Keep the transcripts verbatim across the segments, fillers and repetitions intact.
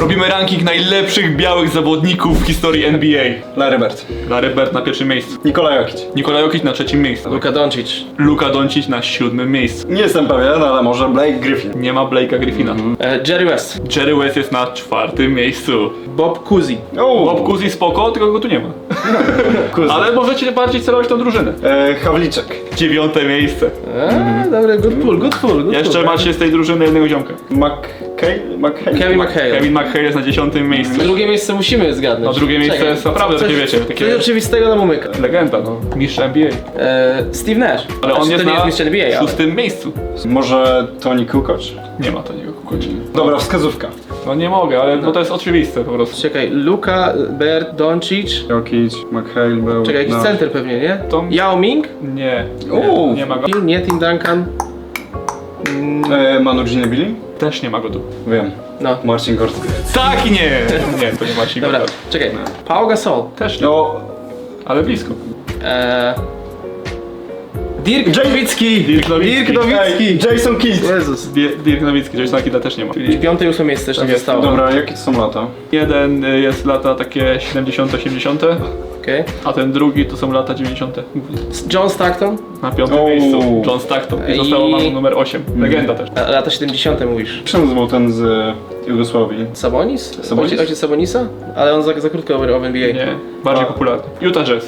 Robimy ranking najlepszych białych zawodników w historii N B A. Larry Bird. Larry Bird na pierwszym miejscu. Nikola Jokic. Nikola Jokic na trzecim miejscu. Luka Doncic. Luka Doncic na siódmym miejscu. Nie jestem pewien, ale może Blake Griffin. Nie ma Blake'a Griffina. E, Jerry West. Jerry West jest na czwartym miejscu. Bob Cousy. O, Bob Cousy spoko, tylko go tu nie ma. Cousy. Ale możecie bardziej celować tą drużynę. E, Havliczek. Dziewiąte miejsce. Eee, dobry, good pull, good pull. Good Jeszcze pull. macie z tej drużyny jednego ziomka. McHale? McHale? Kevin McHale. Kevin McHale jest na dziesiątym miejscu. Drugie miejsce musimy zgadnąć. No drugie miejsce Czekaj, jest naprawdę coś- takie, wiecie, takie- Coś oczywistego nam umyka. Legenda, no. Mistrz N B A. E, Steve Nash. Ale on Znaczy, jest to nie na jest mistrz N B A, ale... szóstym miejscu. Może Tony Kukoc? Nie ma to niego kukoci. Dobra, wskazówka. No nie mogę, ale no to jest oczywiste po prostu. Czekaj, Luka, Bird, Doncic. Jokic, McHale był... Czekaj, jakiś no. center pewnie, nie? To- Yao Ming? Nie, Uuu. nie, nie ma go. Nie, Tim Duncan. Mm, E, Manu Ginobili? Też nie ma go tu. Wiem. no. Marcin Gorski. Tak, nie! Nie, to nie ma się Dobra, czekaj. Pau Gasol. Też nie, No... ale blisko. E, Dirk Jay- Nowitzki. Dirk Nowitzki. Dirk Nowitzki. Ej, Jason Kidd. Jezus. Di- Dirk Nowicki, Jasona Kidda też nie ma. Piąte i ósme miejsce też nie jest. zostało. Dobra, jakie to są lata? Jeden y, jest lata takie siedemdziesiąte, osiemdziesiąte, Okej. a ten drugi to są lata dziewięćdziesiąte. John Stockton. Na piątym O. miejscu John Stockton i I- zostało nam numer osiem. Legenda też. A, lata siedemdziesiąte mówisz. Czemu był ten z e, Jugosławii? Sabonis? Sabonis? Ojciec, ojciec Sabonisa? Ale on za, za krótko grał w N B A. Nie, bardziej A. popularny. Utah Jazz.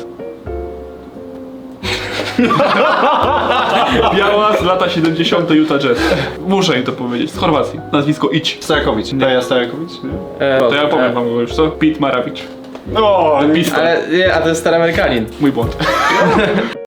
Biała z lata siedemdziesiąte Utah Jazz. Muszę im to powiedzieć, z Chorwacji. Nazwisko Idź. Stajakowicz. Daja Stajakowicz? Nie? E, To ja powiem e, wam go już, co? Pete Maravich. O, Pistol. Ale nie, a to jest stary Amerykanin. Mój błąd.